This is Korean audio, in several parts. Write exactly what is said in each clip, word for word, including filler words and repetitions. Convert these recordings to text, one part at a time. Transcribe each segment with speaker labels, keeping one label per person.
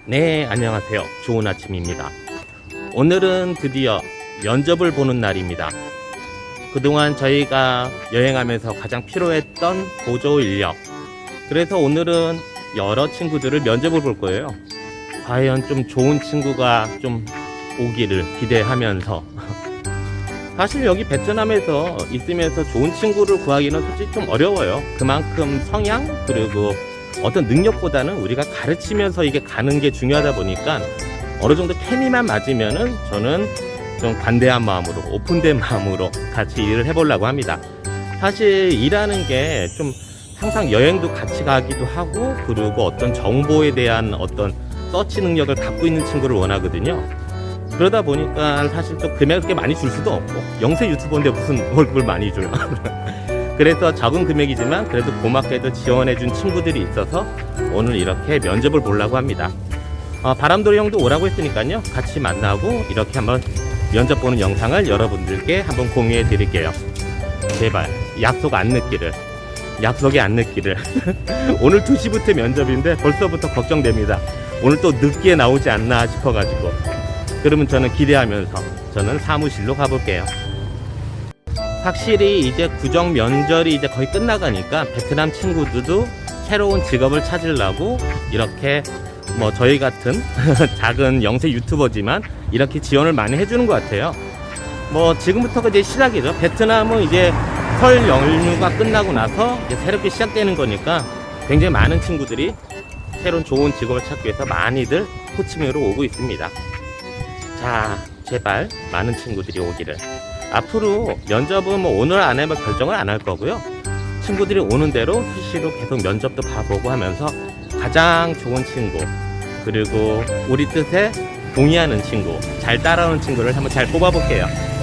Speaker 1: 네, 안녕하세요. 좋은 아침입니다. 오늘은 드디어 면접을 보는 날입니다. 그동안 저희가 여행하면서 가장 필요했던 보조 인력. 그래서 오늘은 여러 친구들을 면접을 볼 거예요. 과연 좀 좋은 친구가 좀 오기를 기대하면서. 사실 여기 베트남에서 있으면서 좋은 친구를 구하기는 솔직히 좀 어려워요. 그만큼 성향 그리고 어떤 능력보다는 우리가 가르치면서 이게 가는 게 중요하다 보니까 어느 정도 케미만 맞으면은 저는 좀 관대한 마음으로 오픈된 마음으로 같이 일을 해보려고 합니다. 사실 일하는 게 좀 항상 여행도 같이 가기도 하고 그리고 어떤 정보에 대한 어떤 서치 능력을 갖고 있는 친구를 원하거든요. 그러다 보니까 사실 또 금액을 그렇게 많이 줄 수도 없고 영세 유튜버인데 무슨 월급을 많이 주나. 그래서 적은 금액이지만 그래도 고맙게도 지원해준 친구들이 있어서 오늘 이렇게 면접을 보려고 합니다. 어, 바람돌이 형도 오라고 했으니까요. 같이 만나고 이렇게 한번 면접 보는 영상을 여러분들께 한번 공유해 드릴게요. 제발 약속 안 늦기를. 약속이 안 늦기를. 오늘 두 시부터 면접인데 벌써부터 걱정됩니다. 오늘 또 늦게 나오지 않나 싶어가지고. 그러면 저는 기대하면서 저는 사무실로 가볼게요. 확실히 이제 구정 면접이 이제 거의 끝나가니까 베트남 친구들도 새로운 직업을 찾으려고 이렇게 뭐 저희 같은 작은 영세 유튜버지만 이렇게 지원을 많이 해주는 것 같아요. 뭐 지금부터가 이제 시작이죠. 베트남은 이제 설 연휴가 끝나고 나서 이제 새롭게 시작되는 거니까 굉장히 많은 친구들이 새로운 좋은 직업을 찾기 위해서 많이들 호치민으로 오고 있습니다. 자, 제발 많은 친구들이 오기를. 앞으로 면접은 뭐 오늘 안에 뭐 결정을 안 할 거고요. 친구들이 오는 대로 수시로 계속 면접도 봐보고 하면서 가장 좋은 친구 그리고 우리 뜻에 동의하는 친구, 잘 따라오는 친구를 한번 잘 뽑아볼게요.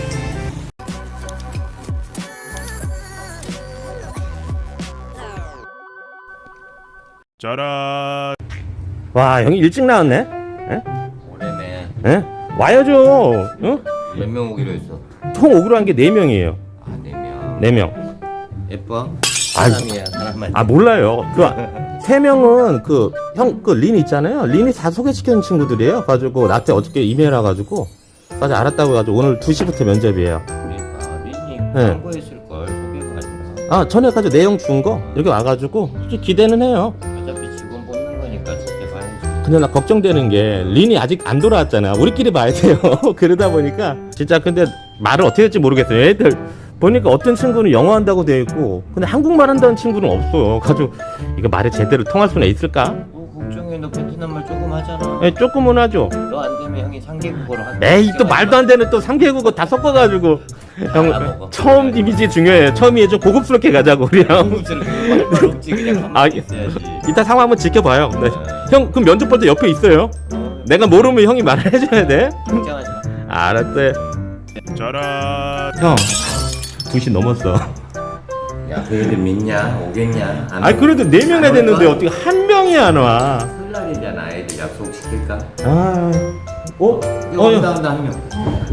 Speaker 2: 짜란.
Speaker 1: 와, 형이 일찍 나왔네? 에?
Speaker 3: 오래네.
Speaker 1: 에? 와야죠. 응?
Speaker 3: 몇 명 오기로 했어?
Speaker 1: 총 오기로 한 게 네 명이에요.
Speaker 3: 아, 네 명.
Speaker 1: 네 명.
Speaker 3: 예뻐?
Speaker 1: 아이,
Speaker 3: 사람이야, 사람만.
Speaker 1: 아, 몰라요. 그, 세 명은 그, 형, 그, 린 있잖아요. 린이 다 소개시켜준 친구들이에요. 가지고, 나한테 어저께 이메일 와가지고, 까지 알았다고 해가지고, 오늘 두 시부터 면접이에요.
Speaker 3: 그러니까 린이
Speaker 1: 네.
Speaker 3: 광고했을 걸 소개가 아니라.
Speaker 1: 아, 전에 가지고 내용 준 거, 이렇게 와가지고, 솔직히 기대는 해요.
Speaker 3: 어차피 직원 뽑는 거니까 지켜봐야지.
Speaker 1: 근데 나 걱정되는 게, 린이 아직 안 돌아왔잖아. 우리끼리 봐야 돼요. 그러다 보니까, 진짜 근데 말을 어떻게 할지 모르겠어요. 애들, 보니까 어떤 친구는 영어 한다고 되어 있고, 근데 한국말 한다는 친구는 없어요. 가지고, 이거 말이 제대로 통할 수는 있을까?
Speaker 3: 뭐 걱정해, 너 베트남 말 조금 하잖아.
Speaker 1: 예, 조금은 하죠.
Speaker 3: 너 안 되면 형이 삼 개국어로 한.
Speaker 1: 에이, 또 말도 안 되는 또 삼 개국어 다 섞어가지고. 형,
Speaker 3: 알아먹어.
Speaker 1: 처음 이미지 중요해요. 처음이 좀 고급스럽게 가자고, 우리 형.
Speaker 3: 한국스럽게 없지 그냥
Speaker 1: 아,
Speaker 3: 가만히 있어야지.
Speaker 1: 이따 상황 한번 지켜봐요. 네. 형, 그럼 면접 볼 때 옆에 있어요.
Speaker 3: 어,
Speaker 1: 내가 모르면 형이 말을 해줘야 돼.
Speaker 3: 걱정하지 마.
Speaker 1: 알았어요.
Speaker 2: 짜란.
Speaker 1: 형, 두 시 넘었어.
Speaker 3: 야, 그 애들 믿냐? 오겠냐? 안
Speaker 1: 아니, 그래도 네 명이나
Speaker 3: 안
Speaker 1: 됐는데
Speaker 3: 올까?
Speaker 1: 어떻게 한 명이 안 와?
Speaker 3: 설날이잖아. 애들 약속 시킬까?
Speaker 1: 아, 어?
Speaker 3: 이거
Speaker 1: 어,
Speaker 3: 온다
Speaker 1: 형.
Speaker 3: 온다 한 명.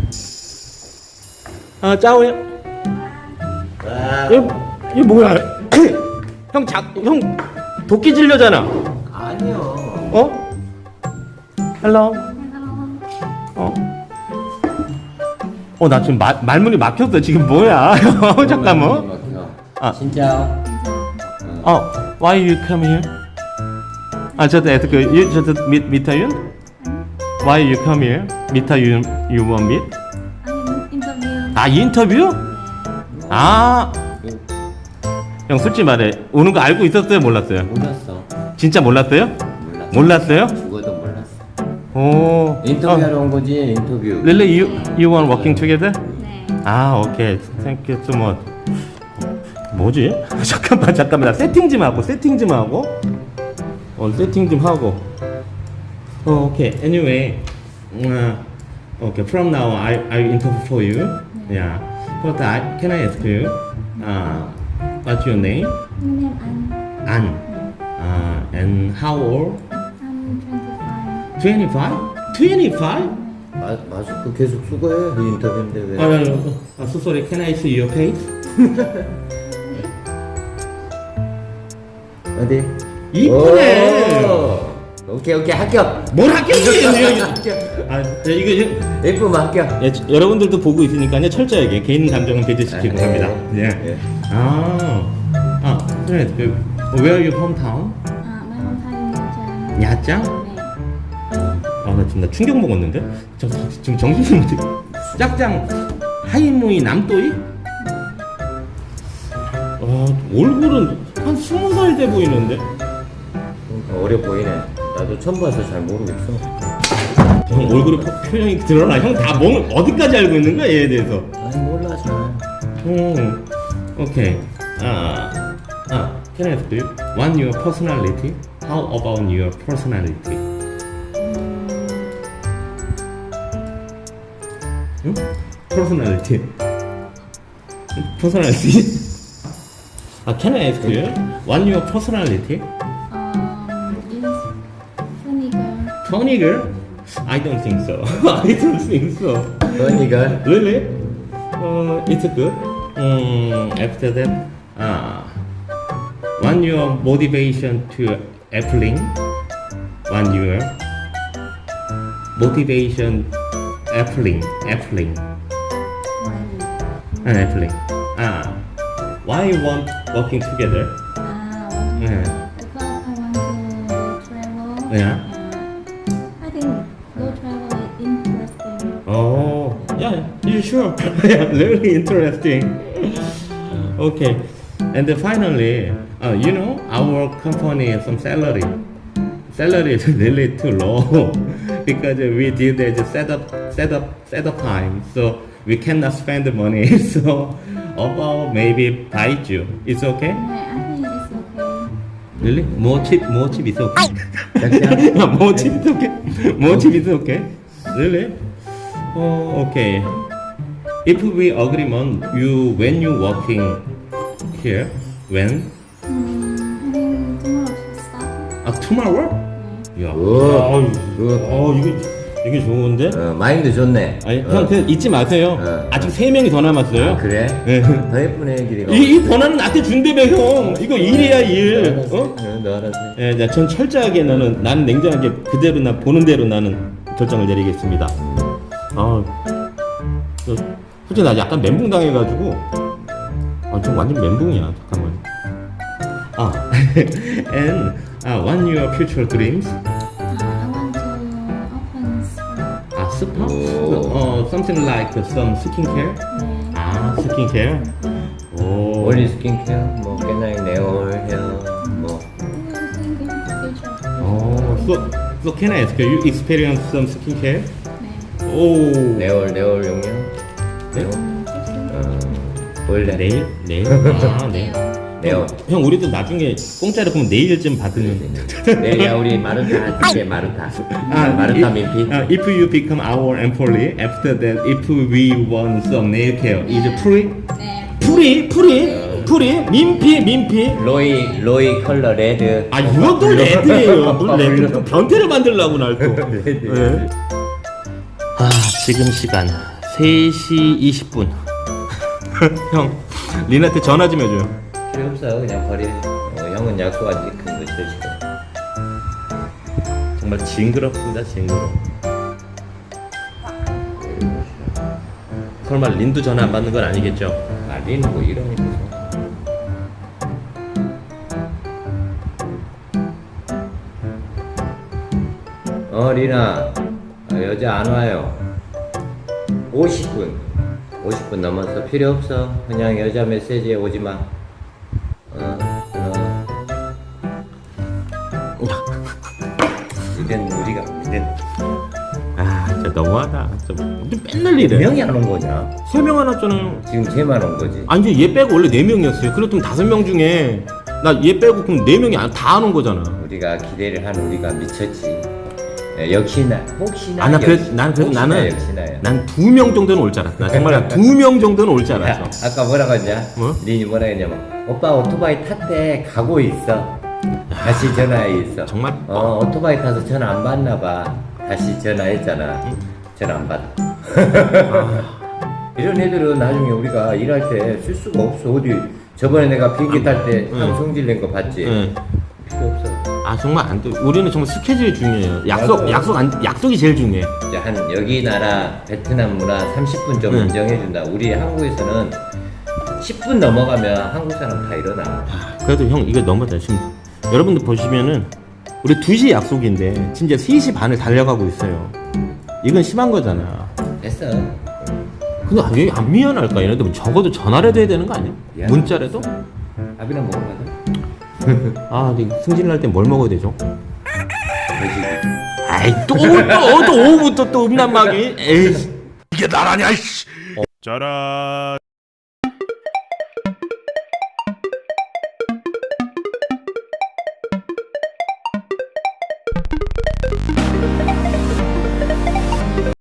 Speaker 1: 아, 짜오야.
Speaker 3: 와.
Speaker 1: 얘, 얘 뭐야? 형, 자, 형, 도끼 질려잖아.
Speaker 3: 아니요.
Speaker 1: 어? 헬로. 어? 어, 나 지금 마, 말문이 막혔어. 지금 뭐야? 어, 잠깐만. 아.
Speaker 3: 진짜.
Speaker 1: 어, why you come here? 아, 저도 에스크, you just meet meet you? Why you come here? Meet you, you want meet?
Speaker 4: 아니 인터뷰.
Speaker 1: 아, 인터뷰? 아, 형 솔직히 말해. 오는 거 알고 있었어요? 몰랐어요?
Speaker 3: 몰랐어.
Speaker 1: 진짜 몰랐어요?
Speaker 3: 몰랐어.
Speaker 1: 몰랐어요?
Speaker 3: 죽어도 몰랐어.
Speaker 1: 오.
Speaker 3: 인터뷰하러 온 거지 인터뷰.
Speaker 1: Really, you you want working together?
Speaker 4: 네.
Speaker 1: 아, 오케이. Thank you so much. 뭐지? 잠깐만, 잠깐만. 나 세팅 좀 하고, 세팅 좀 하고. 어, 세팅 좀 하고. 어, 오케이. Anyway, uh, okay. From now, I I interview for you. Yeah. But I can I ask you, uh, what's your name?
Speaker 4: 님 안.
Speaker 1: An. Uh, and how old?
Speaker 4: I'm
Speaker 1: twenty-five? twenty-five?
Speaker 3: 마, 마스크 계속 쓰고 해. 이 인터뷰인데 왜?
Speaker 1: 아, 아, 아, so sorry. Can I see your face?
Speaker 3: 어디?
Speaker 1: 이쁘네.
Speaker 3: 오! 오케이 오케이 합격.
Speaker 1: 뭘 합격이에요?
Speaker 3: 합격.
Speaker 1: 아, 네, 이거
Speaker 3: 예쁘면 합격.
Speaker 1: 예, 여러분들도 보고 있으니까요. 철저하게 개인 감정은 배제시키고
Speaker 3: 아, 네.
Speaker 1: 합니다. 예.
Speaker 3: 예.
Speaker 1: 아, 아, 그래. 그, where are you hometown?
Speaker 4: 아, my hometown is
Speaker 1: 야짱?
Speaker 4: 네.
Speaker 1: 아, 나 지금 나 충격 먹었는데? 저, 지금 정신이 못 짝짱 하이무이 남또이? 아, 얼굴은 한 스무 살 돼 보이는데?
Speaker 3: 그러니까 어려 보이네. 나도 처음 봐서 잘 모르겠어.
Speaker 1: 형 얼굴에 표- 표정이 드러나. 형 다 뭐, 어디까지 알고 있는 거야, 얘에 대해서?
Speaker 3: 아니 몰라 잘.
Speaker 1: 음, 오케이. 아, 아, can I ask you? What your personality? How about your personality? 응? Personality. Personality. 아, can I ask you? What your personality?
Speaker 4: Um, is funny girl.
Speaker 1: Funny girl? I don't think so. I don't think so.
Speaker 3: 너니가
Speaker 1: Really? Uh, it's good. Um, after that, uh, one your motivation to applying, one your motivation applying, applying,
Speaker 4: Why?
Speaker 1: and applying. Ah, why you want working together?
Speaker 4: Ah, want to-
Speaker 1: Yeah.
Speaker 4: because I want to travel.
Speaker 1: Yeah.
Speaker 4: And I think go travel is interesting.
Speaker 1: Oh, yeah, you sure? Yeah, really interesting. Okay, and then finally, uh, you know, our company some salary, salary is really too low because we did a setup, setup, setup time, so we cannot spend the money. So about maybe Baiju, it's okay?
Speaker 4: Yeah, I think it's okay.
Speaker 1: Really? More cheap, more cheap is okay.
Speaker 3: 짝짱.
Speaker 1: more cheap is okay. More cheap is okay. Really? Oh, okay. If we agreement, you when you working here, when?
Speaker 4: Hmm, I think tomorrow should start.
Speaker 1: 아, tomorrow? 야,
Speaker 3: 오.
Speaker 1: 어, 어, 이게 이게 좋은데?
Speaker 3: 어, 마인드 좋네.
Speaker 1: 아니,
Speaker 3: 어.
Speaker 1: 형 그냥 잊지 마세요.
Speaker 3: 어.
Speaker 1: 아직 세 명이 더 남았어요.
Speaker 3: 아, 그래?
Speaker 1: 네.
Speaker 3: 더 예쁜 애기가.
Speaker 1: 이, 이 번호는 나한테 준대며 형. 이거 일이야 일.
Speaker 3: 알았어.
Speaker 1: 어?
Speaker 3: 응, 너 알아서. 해.
Speaker 1: 예, 자, 전 철저하게 나는 나는 냉정하게 그대로 나 보는 대로 나는 결정을 내리겠습니다. 아, 저, 솔직히 나 약간 멘붕 당해가지고, 아, 좀 완전 멘붕이야. 잠깐만. 아, and uh, what your future dreams?
Speaker 4: Uh, I want to open spa.
Speaker 1: 아, 스파?
Speaker 3: 오.
Speaker 1: 어, something like some skincare?
Speaker 4: 네.
Speaker 1: 아, skincare? 오.
Speaker 3: 원리 스킨케어, 뭐 깨나이 네올 헤어, 뭐
Speaker 4: Thinking future.
Speaker 1: 어, so, so can I ask you, you experience some skincare?
Speaker 4: 네.
Speaker 1: 오.
Speaker 3: 네올 네올 용량.
Speaker 1: 네?
Speaker 4: 음, 픽스.
Speaker 3: 어, 원래
Speaker 1: 내일? 내일? 아, 내일.
Speaker 3: 네올.
Speaker 1: 형, 우리도 나중에 공짜로 그럼 내일 좀 받으면.
Speaker 3: 내일이야 우리 마르타 줄게 마르타.
Speaker 1: 아,
Speaker 3: 마르타
Speaker 1: if-
Speaker 3: 민피.
Speaker 1: 아, if you become our employee, after that, if we want some nail care, is it free?
Speaker 4: 네.
Speaker 1: free? free? free? 민피? 민피?
Speaker 3: 로이 로이 컬러 레드.
Speaker 1: 아, 이것도 레드예요. 뭘 레드? 또 변태를 만들려고 날 또. 네. 아, 지금 시간 세 시 이십 분. 형, 린한테 전화 좀 해줘요.
Speaker 3: 필요 없어 그냥 버려. 어, 형은 약속 안 지킨 거 싫어.
Speaker 1: 정말 징그럽습니다, 징그러. 설마 린도 전화 안 받는 건 아니겠죠?
Speaker 3: 말리는 뭐 이러니까. 어 리나 어, 여자 안 와요. 오십 분 오십 분 넘었어. 필요 없어. 그냥 여자 메시지에 오지 마. 어, 어. 이젠 우리가 이젠
Speaker 1: 아, 진짜 너무하다. 진짜 맨날 이래.
Speaker 3: 명이 안 온 거냐?
Speaker 1: 세 명 해놨잖아요.
Speaker 3: 지금 쟤만 온 거지.
Speaker 1: 아니, 이제 얘 빼고 원래 네 명이었어요. 그렇다면 다섯 명 중에 나 얘 빼고 그럼 네 명이 다 안 온 거잖아.
Speaker 3: 우리가 기대를 한 우리가 미쳤지. 예, 역시나 혹시나.
Speaker 1: 아, 나 그래,
Speaker 3: 역시-
Speaker 1: 난 그래도
Speaker 3: 혹시나
Speaker 1: 나는
Speaker 3: 역시나야.
Speaker 1: 난 두 명 정도는 올 줄 알았어. 나 정말 두 명 정도는 올 줄
Speaker 3: 야,
Speaker 1: 알았어.
Speaker 3: 아까 뭐라고 했냐?
Speaker 1: 뭐?
Speaker 3: 린이 뭐라 했냐면 오빠 오토바이 탔대 가고 있어. 다시 전화해 있어.
Speaker 1: 정말
Speaker 3: 어 오토바이 타서 전화 안 받나 봐. 다시 전화했잖아. 전화 안 받아. 이런 애들은 나중에 우리가 일할 때 쓸 수가 없어. 어디 저번에 내가 비행기 탈 때
Speaker 1: 응.
Speaker 3: 형 성질 낸 거 봤지?
Speaker 1: 응.
Speaker 3: 필요 없어.
Speaker 1: 아 정말 안 돼. 우리는 정말 스케줄이 중요해요. 약속
Speaker 3: 맞아요.
Speaker 1: 약속 안 약속이 제일 중요해.
Speaker 3: 이제 한 여기 나라 베트남 문화 삼십 분 좀
Speaker 1: 네.
Speaker 3: 인정해준다. 우리 한국에서는 십 분 넘어가면 한국 사람 다 일어나.
Speaker 1: 아, 그래도 형 이거 너무하다. 지금 여러분들 보시면은 우리 두 시 약속인데 진짜 세 시 반을 달려가고 있어요. 이건 심한 거잖아.
Speaker 3: 됐어.
Speaker 1: 근데 왜 안 미안할까? 얘네들 적어도 전화를 해야 되는 거 아니야?
Speaker 3: 미안.
Speaker 1: 문자라도?
Speaker 3: 밥이나 먹으러 가자.
Speaker 1: 아, 근데 승진 날 때 뭘 먹어야 되죠?
Speaker 3: 돼지고.
Speaker 1: 아이 또또또 오후부터 또 음란마귀. 에이.
Speaker 2: 이게 나라냐 이씨. 짜란.